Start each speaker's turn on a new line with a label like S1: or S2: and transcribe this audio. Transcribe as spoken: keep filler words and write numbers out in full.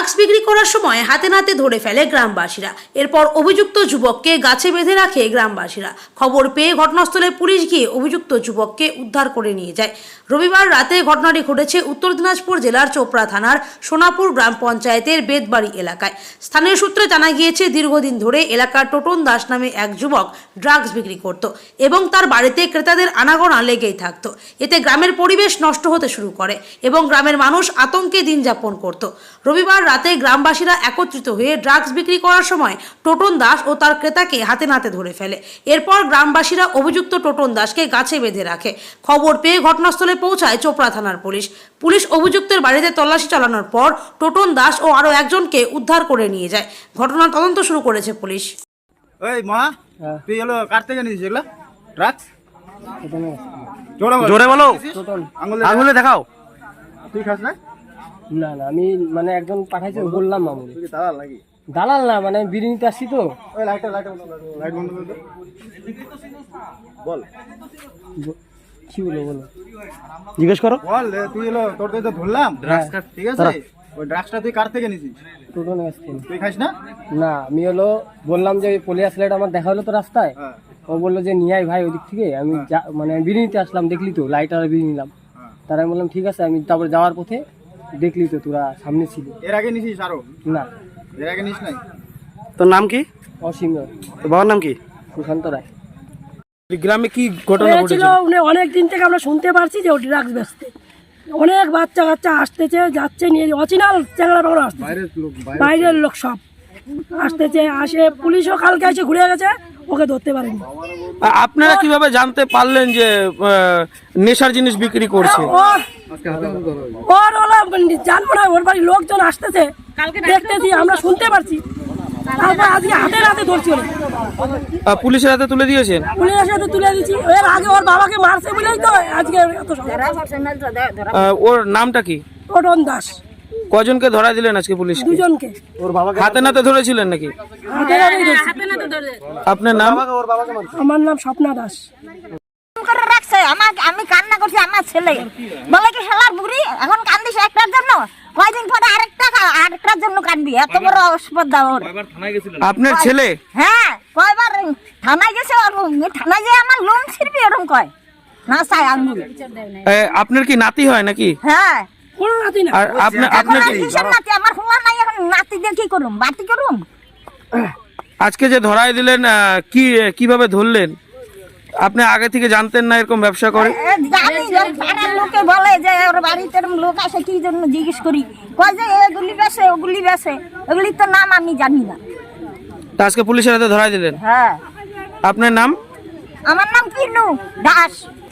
S1: Drugs বিক্রি করার সময় হাতে নাতে ধরে ফেলে গ্রামবাসীরা। এরপর অভিযুক্ত যুবককে গাছে বেঁধে রাখে গ্রামবাসীরা। খবর পেয়ে ঘটনাস্থলে পুলিশ গিয়ে অভিযুক্ত যুবককে উদ্ধার করে নিয়ে যায়। রবিবার রাতে ঘটনাটি ঘটেছে উত্তর দিনাজপুর জেলার চোপড়া থানার সোনাপুর গ্রাম পঞ্চায়েতের বেদবাড়ি এলাকায়। স্থানীয় সূত্রে জানা গিয়েছে, দীর্ঘদিন ধরে এলাকার টোটন দাস নামে এক যুবক ড্রাগস বিক্রি করত এবং তার বাড়িতে ক্রেতাদের আনাগোনা লেগেই থাকতো। এতে গ্রামের পরিবেশ নষ্ট হতে শুরু করে এবং গ্রামের মানুষ আতঙ্কে দিন যাপন করত। রবিবার রাতে গ্রামবাসীরা একত্রিত হয়ে ড্রাগস বিক্রি করার সময় টোটন দাস ও তার ক্রেতাকে হাতে নাতে ধরে ফেলে। এরপর গ্রামবাসীরা অভিযুক্ত টোটন দাসকে গাছে বেঁধে রাখে। খবর পেয়ে ঘটনাস্থলে পৌঁছায় চোপড়া থানার পুলিশ। পুলিশ অভিযুক্তের বাড়িতে তল্লাশি চালানোর পর টোটন দাস ও আরো একজনকে উদ্ধার করে নিয়ে যায়। ঘটনার তদন্ত শুরু করেছে পুলিশ।
S2: ওই মা, তুই এলো কার থেকে নিয়েছিস এগুলো ড্রাগস?
S3: জোরে বলো, আঙুলে দেখাও।
S2: তুই খাস না?
S4: না না, আমি মানে একজন পাঠাইছে বললাম মামুনি।
S2: তুই কি দালাল নাকি?
S4: দালাল না, মানে আমি বিড়ি নিতে আসছি তো।
S2: ওই লাইটটা লাইট লাইট বন্ধ করে দে। বল
S4: কি বলবো বলো,
S3: জিজ্ঞেস করো।
S2: বল, তুই এলো তোর তো ধরলাম ড্রাগস, ঠিক আছে? ওই ড্রাগসটা তুই কার থেকে নিয়েছিস?
S4: টোটন আসছে।
S2: তুই খাস না?
S4: না, আমি হলো বললাম যে পুলিশ লাইট আমার দেখা হলো তো রাস্তায়।
S2: হ্যাঁ।
S4: ও বললো যে নিয়ে আয় ভাই ওদিক থেকে। আমি যা- মানে আমি বিড়ি নিতে আসলাম, দেখলি তো লাইট আর বিড়ি নিলাম। তারা আমি বললাম ঠিক আছে। আমি তারপরে যাওয়ার পথে দেখলি তো তোরা সামনে ছিল।
S2: এর আগে নিছিস আরো?
S4: না,
S2: এর আগে নিস নাই?
S3: তোর নাম কি?
S4: অসীম
S3: তোর বাবার নাম কি?
S4: সুশান্ত রায়।
S3: গ্রামে কি ঘটনা
S5: হয়েছিল? উনি অনেক দিন থেকে আমরা শুনতে পারছি যে ও ড্রাগস বেচতে। অনেক বাচ্চা কাচ্চা আসতেছে যাচ্ছে নিয়ে, অচিনাল চ্যাংড়া বাংলা আসতেছে, বাইরের লোক সব আসতেছে। আসে পুলিশও কালকে এসে ঘুরে গেছে, ওকে ধরতে পারেনি।
S3: আপনারা কিভাবে জানতে পারলেন যে আহ, নেশার জিনিস বিক্রি করছে?
S5: ওর ওর ওলা জানবো না, ওর বাড়ির লোকজন আসতেছে দেখতেছি, আমরা শুনতে পারছি। তারপর আজকে হাতে হাতে ধরছি ওরা।
S3: আহ, পুলিশের হাতে তুলে দিয়েছেন?
S5: পুলিশের সাথে তুলে দিচ্ছি। এর আগে ওর বাবাকে মারছে বলেই তো আজকে এত
S3: আহ, ওর নামটা কি?
S5: টোটন দাস।
S3: কজনকে ধরা দিলেন আজকে পুলিশ?
S5: দুজনকে
S3: হাতে নাতে ধরেছিলেন নাকি?
S5: হাতে হাতে ধরছি।
S3: আপনার নাম?
S5: আমার নাম স্বপ্না দাস।
S6: করে রাখছে আমাকে, আমি কান্না করছি। আমার ছেলে বলে কি শালার বুড়ি এখন কান্দিস একটার জন্য, কয়দিন পরে আরেকটা আরেকটার জন্য কান্দবি? এত বড় অস্পর্ধা ওর।
S3: আপনার ছেলে?
S6: হ্যাঁ, কয়বার থানায় গেছে। ওর থানায় যে আমার লোন ছিড়বি এরকম কয় না, চাই আঙ্গুল।
S3: আহ, আপনার কি নাতি হয় নাকি?
S6: হ্যাঁ,
S5: কোন নাতি না।
S3: আর আপনার
S6: এখন
S3: আপনার
S6: আর কিসের নাতি? আমার হোলা নাই, এখন নাতি দিয়ে কি করুম? বাতি করুম?
S3: আজকে যে ধরাই দিলেন, আহ, কি কিভাবে ধরলেন? আপনি আগে থেকে জানতেন না এরকম ব্যবসা করে?
S6: এ, জানি ওর পাড়ার লোকে বলে যে ওর বাড়িতে এরকম লোক আসে, কি জন্য জিজ্ঞেস করি, কয় যে এগুলি বেছে ওগুলি বেছে, ওগুলির তো নাম আমি জানি না।
S3: তা আজকে পুলিশের হাতে ধরাই দিলেন।
S6: হ্যাঁ,
S3: আপনার নাম?
S6: আমার নাম কিনু দাস।